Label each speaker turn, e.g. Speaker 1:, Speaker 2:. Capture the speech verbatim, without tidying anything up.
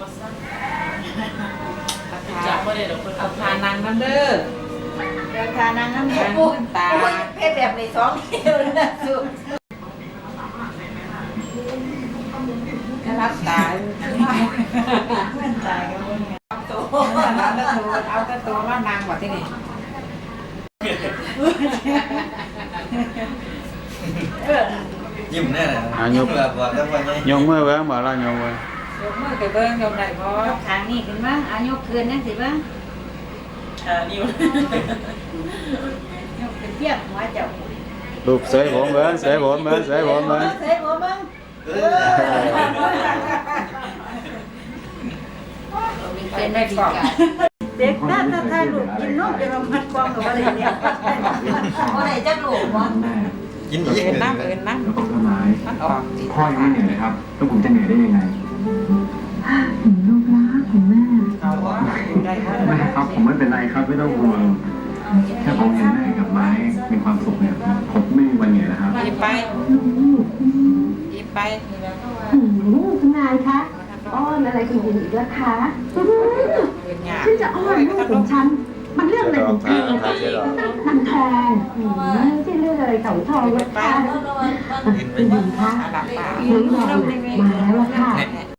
Speaker 1: จากประเด็นเราคนเอาทานังนั่นเด้อ
Speaker 2: เดี๋ยวทานังน้ำแข็งปูนตาเพศแบบในสองเดียวนะสุดก็รับตาเพื่อนตายกันหมดไงตัวเอาตะตัวเอาตะตัวว่านางกว่าที่นี่
Speaker 3: ยิ้มแน่เลย
Speaker 4: อ่ะยก
Speaker 3: แบบว่าแล้ววันนี้
Speaker 4: ยกมือเบิ้งบอกเรายกมือย
Speaker 2: กมือไปเบิ้งยกได้พอยกทางนี่ขึ้นบ้างเอายกคืนนั่นสิบ้าง
Speaker 1: อ่านิ้วย
Speaker 2: กเป็นเทียบหัวเจ้า
Speaker 4: ลูกเสยผมเบิ้งเสยผมเบิ้งเสยผมเบิ้ง
Speaker 2: เสยผมเบิ้ง
Speaker 3: เออ
Speaker 2: เป็นได้ดีกันเด็กด้านถ้าลูกกินนมจะลงมัดกองหรือว่าอะไรเนี่ยอะไรจะลูกวะ
Speaker 3: กินอีก
Speaker 2: เอ็นน้ำเอ็นน้
Speaker 5: แล้วก็ต้นไม้
Speaker 2: ำมันออก
Speaker 5: พ่อยังไม่เหนื่อยเลยครับแล้วผมจะเหนื่อยได้ยังไง
Speaker 6: ลูกรักของแม่
Speaker 2: เขาว่าได้เขา
Speaker 5: แม่ครับผมไม่เป็นไรครับไม่ต้องห่วงแค่ผมเห็นแม่กับไม้มีความสุขเนี่ยผมไม่มีวันเหนื่อยแล้วครับ
Speaker 2: หยิบไป
Speaker 6: ลูก
Speaker 2: หยิบไป
Speaker 6: อืมคุณนายคะอ้อนอะไรคุณหญิงอีกแล้วคะอื้อหือ
Speaker 2: เป็นหยา
Speaker 6: ฉันจะอ้อนลูกของฉัน มันเรื่องอะไรของเธอมันทองอืมไม่ใช่เรื่องอะไรของทองนะคะคุณหญิงคะ
Speaker 2: หลับตา
Speaker 6: หนูรอมาแล้วอะค่ะ
Speaker 2: เนี่ย